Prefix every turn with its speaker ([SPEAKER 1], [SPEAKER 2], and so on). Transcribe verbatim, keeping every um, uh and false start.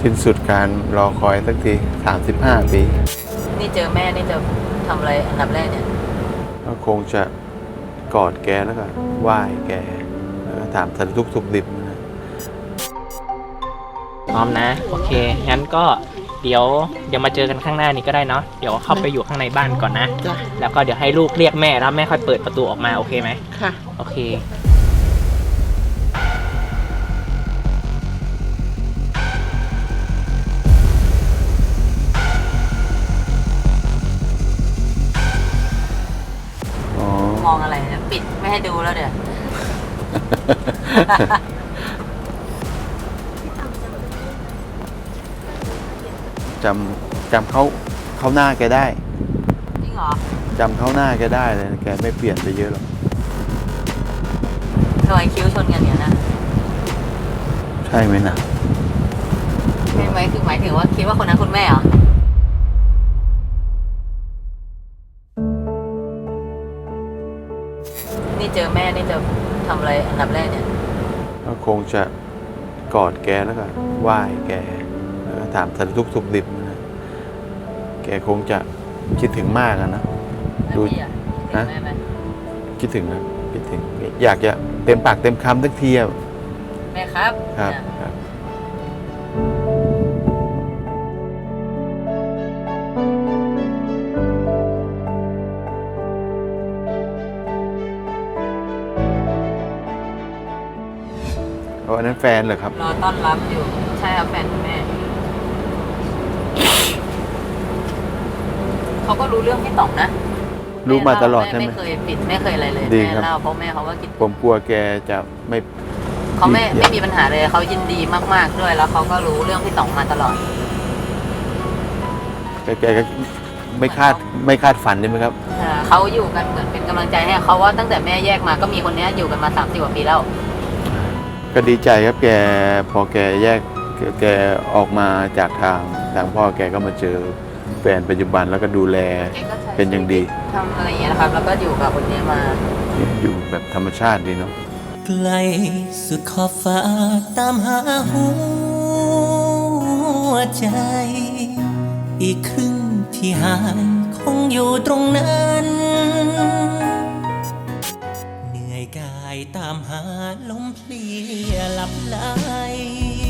[SPEAKER 1] สิ้นสุดการรอคอยสักทีสามสิบห้าปี
[SPEAKER 2] นี่เจอแม่นี่จะทำอะไรอันดับแรกเนี่ย
[SPEAKER 1] ก็คงจะกอดแกแล้วก็ไหว้แกแล้วก็ถามสารทุกข์สุขดิบนะ
[SPEAKER 3] พร้อมนะโอเคงั้นก็เดี๋ยวเดี๋ยวมาเจอกันข้างหน้านี้ก็ได้เนาะเดี๋ยวเข้าไปอยู่ข้างในบ้านก่อนนะแล้วก็เดี๋ยวให้ลูกเรียกแม่แล้วแม่ค่อยเปิดประตูออกมาโอเคไหม
[SPEAKER 2] ค่ะ
[SPEAKER 3] โอเค
[SPEAKER 2] มองอะไรเนี่ยปิดไม่ให้ดูแล้วเดี๋ยว
[SPEAKER 1] จำจำเขาเขาหน้าแกได้
[SPEAKER 2] จริงเหรอ
[SPEAKER 1] จำเขาหน้าแกได้เลยแกไม่เปลี่ยนไปเยอะหรอก
[SPEAKER 2] รอยคิ้วชนกันเนี่ยนะ
[SPEAKER 1] ใช่ไหมนะ
[SPEAKER 2] ใช่ไหมคือหมายถึงว่าคิดว่าคนนั้นคุณแม่เหรอนี่เจอแม่นี่จะทำอะไรอันดับแรกเนี่ย
[SPEAKER 1] ก็คงจะกอดแกแล้วก็ไหว้แกแล้วก็ถามสารทุกข์สุขดิบนะแกคงจะคิดถึงมากนะ
[SPEAKER 2] ดูฮะ
[SPEAKER 1] คิดถึงนะคิดถึงอยากจะเต็มปากเต็มคำสักทีอ่ะ
[SPEAKER 2] แม่ครับ
[SPEAKER 1] ครับครับอันนั้นแฟนเหรอครับ
[SPEAKER 2] รอต้อนรับอยู่ใช่ครับแฟนคุณแม่เขาก็รู้เรื่องพี่ต่องนะ
[SPEAKER 1] รู้มาตลอดใช่ไหม
[SPEAKER 2] ไม่เคยปิดไม่เคยอะไรเลยแม่เล่าเพราะแม่เขาว่ากิน
[SPEAKER 1] ผมกลัวแกจะไม่
[SPEAKER 2] เขาไม่ไม่มีปัญหาเลยเขายินดีมากๆด้วยแล้วเขาก็รู้เรื่องพี่ต่องมาตลอด
[SPEAKER 1] แกแกก็ไม่คาดไม่คาดฝันใช่ไหมครับ
[SPEAKER 2] เขาอยู่กันเหมือนเป็นกำลังใจให้เขาว่าตั้งแต่แม่แยกมาก็มีคนนี้อยู่กันมาสามสิบกว่าปีแล้ว
[SPEAKER 1] ก็ดีใจครับแกพอแกแยกแกออกมาจากทางทางพ่อแกก็มาเจอแฟนปัจจุบันแล้วก็ดูแลเป็นอย่างดี
[SPEAKER 2] ทำอะไรอย่างเงี้ยนะครับแล้วก็อยู่กับคนนี้มา
[SPEAKER 1] อยู่แบบธรรมชาติดีเนาะ
[SPEAKER 4] ไกลสุดขอบฟ้าตามหาหัวใจอีกครึ่งที่หายคงอยู่ตรงนั้นเหนื่อยกายตามหาลมเพลียหลับไหล